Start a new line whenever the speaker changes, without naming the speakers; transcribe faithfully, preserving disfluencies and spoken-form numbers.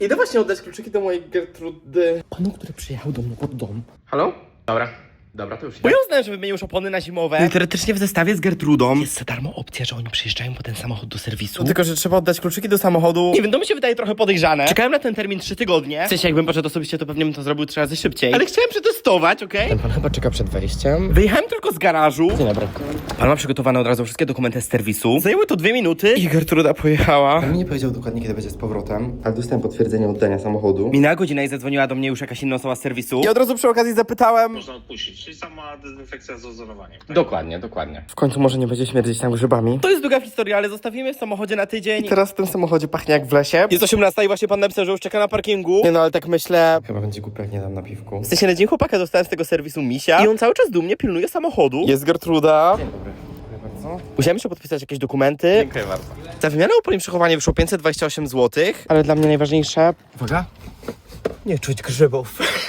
Idę właśnie oddać kluczyki do mojej Gertrudy. Panu, który przyjechał do mnie pod dom. Halo? Dobra. Dobra, to już idę. Bo ja uznałem, że wymienił już opony na zimowe. No i teoretycznie w zestawie z Gertrudą jest za darmo opcja, że oni przyjeżdżają po ten samochód do serwisu. No tylko, że trzeba oddać kluczyki do samochodu. Nie wiem, to mi się wydaje trochę podejrzane. Czekałem na ten termin trzy tygodnie. W sensie, jakbym poszedł osobiście, to pewnie bym to zrobił trzy razy szybciej. Ale chciałem przetestować, okej? Okay? Ten pan chyba czeka przed wejściem. Wyjechałem tylko z garażu. Dzień dobry. Pan ma przygotowane od razu wszystkie dokumenty z serwisu. Zajęły to dwie minuty i Gertruda pojechała. Pan mi nie powiedział dokładnie, kiedy będzie z powrotem, ale dostałem potwierdzenie oddania samochodu. Minęła godzina i zadzwoniła do mnie już jakaś inna osoba z serwisu. I od razu przy okazji zapytałem.
Można odpuścić, czyli sama dezynfekcja z ozonowaniem. Tak?
Dokładnie, dokładnie. W końcu może nie będzie śmierdzić tam grzybami. To jest długa historia, ale zostawimy w samochodzie na tydzień. I teraz w tym samochodzie pachnie jak w lesie. Jest osiemnasta i właśnie pan napisał, że już czeka na parkingu. Nie no, ale tak myślę. Chyba będzie głupio, jak nie dam napiwku. W sensie na dzień chłopaka dostałem z tego serwisu misia i on cały czas dumnie pilnuje samochodu. Jest Gertruda. Dzień dobry. Musiałem jeszcze podpisać jakieś dokumenty. Dziękuję bardzo. Za wymianę opon i przechowanie wyszło pięćset dwadzieścia osiem złotych. Ale dla mnie najważniejsze... Uwaga. Nie czuć grzybów.